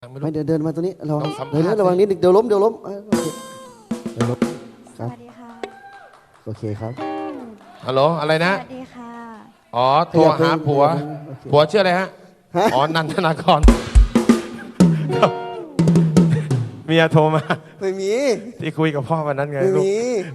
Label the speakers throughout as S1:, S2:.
S1: ไม่เดินมาตัวนี้ระวัง
S2: ต้องสัมภาษณ์
S1: เดินระวังนิดนึงเดี๋ยวล้มโอเคเดี๋ยวล้ม
S3: สวัสดีค่ะ
S1: โอเคครับ
S2: ฮัลโหลอะไร
S3: ส
S2: นะ
S3: วัสดีค่ะ
S2: อ๋อโทรหาผัว
S1: โอเค
S2: ผัวชื่ออะไรฮะ
S1: ฮะ
S2: อ๋อนันทนากรเมียโทรมา
S1: ไม่มี
S2: ที่คุยกับพ่อวันนั้นไง
S1: ไม่
S2: ลูก
S1: มี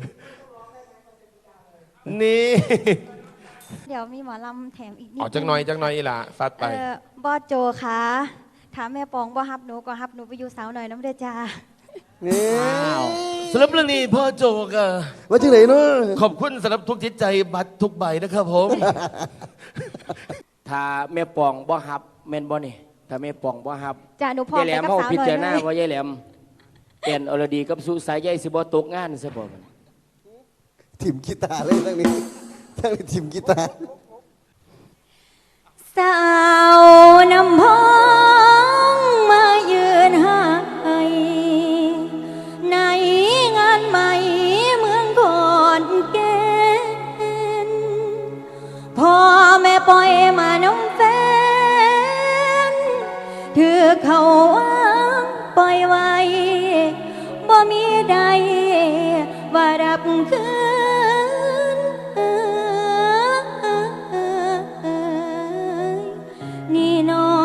S2: นี่
S3: เดี๋ยวมีหมอลำแถมอีกนิด
S2: ออกจังหน่อยอีหล่ะซัดไป
S3: บอสโจคะถามแม่ปองบ่ฮับหนูก็ฮับหนูไปอยู่สาวหน่อยน้ำเด้อจ้า
S1: นี่
S2: สำหรับเรื่องนี้พ่อโจกะ
S1: มาที่ไหนเนาะ
S2: ขอบคุณสำหรับทุกจิตใจบัตรทุกใบนะครับผม
S4: ถ้าแม่ปองบ่ฮับแม่นบ่นี่ถ้าแม่ปองบ่ฮับ
S3: จ้าหนูพร้อม
S4: ยายแหล
S3: ไป
S4: ม
S3: กับ
S4: เฮา
S3: สาว
S4: พิ
S3: หน่อย
S4: จารณา
S3: เลย
S4: ว่ายายแหลมแอนอรดีกับสุสายใยสิบ่ตกงานซะบ่มัน
S1: ทีมกีตาร์เลยทั้งนี้ทีมกีตาร์
S3: สาวนำพ้องมายืนหายในงานใหม่เมืองขอนแก่นพ่อแม่ปล่อยมาน้องแฟนถือเขาวางปล่อยไว้บ่มีใดว่ารับคืนนี่น้อง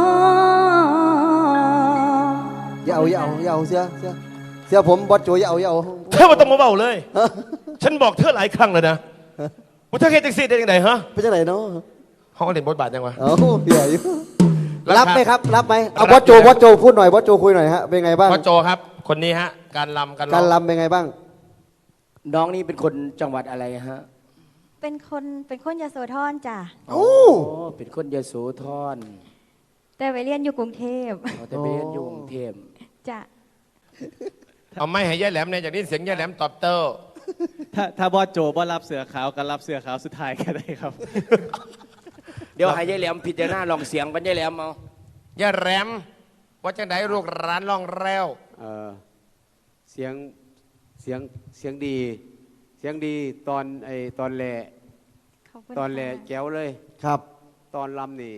S1: อย่าเอาเสียผมบอสโจอย่าเอา
S2: เธอมาต้องมาเบาเลย ฉันบอกเธอหลายครั้งแล้วนะว่าเธอเฮ็ดแท็กซี่ได้ยังไงฮะ
S1: ไปจากไหนเนาะ
S2: เขาก็เล่นบทบาทยังวะ
S1: เอ้าเดี๋ยวอยู่
S2: รับ
S1: รับไหมครับรับไหมเอา
S2: รั
S1: บบ อสโจพูดหน่อยบอสโจคุยหน่อยฮะเป็นไงบ้าง
S2: พ่อโจครับ คนนี้ฮะ การลำ
S1: การรำเป็นไงบ้าง
S4: น้องนี่เป็นคนจังหวัดอะไรฮะ
S3: เป็นคนยโสธรจ้ะ
S1: โอ้
S4: โอ้เป็นคนยโสธร
S3: แต่ไปเรียนอยู่กรุงเทพ
S4: เขาแต่ไปเรียนอยู่กรุงเทพ
S3: จ้ะ
S2: เอาไม่ให้ยายแหลมเนี่ยจากนี้เสียงยายแหลมตอบโต้
S5: ถ้าบอสโจบอสรับเสือขาวก็รับเสือขาวสุดท้ายก็ได้ครับ
S4: เดี๋ยวให้ยายแหลมพิจารณาลองเสียงกันยายแหลมเอา
S2: ยายแหลมว่าจังไดลูกร้านล่องแล้ว
S6: เสียงเสียงดีตอนแหล่
S3: ขอบคุณ
S6: ตอนแหล่
S3: ค่ะ
S6: แก้วเลย
S1: ครับ
S6: ตอนลำนี่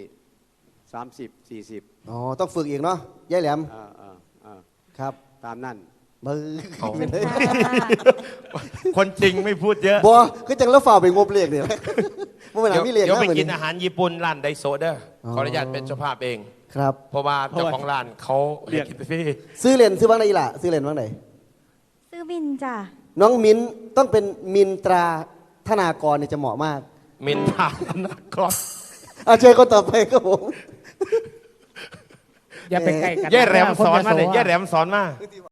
S6: 30-40
S1: อ๋อต้องฝึกอีกเนาะยายแหลม ครับ
S6: ตามนั่น
S1: มือ
S3: ขอบคุณค่ะ
S2: คนจริงไม่พูดเยอะ
S1: บัวคือจังแล้วฝ่าไปงบเรียกเนี่ยมันเป็นหนังมีเรียก
S2: เดี๋ยว
S1: นะ
S2: ไป
S1: เหมือน
S2: กินอาหารญี่ปุ่นร้านไดโซเดอร์
S1: อ๋อ
S2: ขออนุญาตเป็นเจ้าภาพเอง
S1: ครับ
S2: เพราะว่าเจ้าของร้านเขา
S5: เรียก
S2: กินไปฟรี
S1: ซื้อเลนซื้อบ้างไหนล่ะซื้อเลนบ้างไหน
S3: ซื้อบินจ้ะ
S1: น้องมิ้นต้องเป็นมินตราธนากรเนี่ยจะเหมาะมาก
S2: มินทานะก่อน
S1: เอาเชิญคนต่อไปครับผม
S7: อย่าไปใกล้กัน
S2: ย่าแหลมสอนมาเลยย่าแหลมสอนมา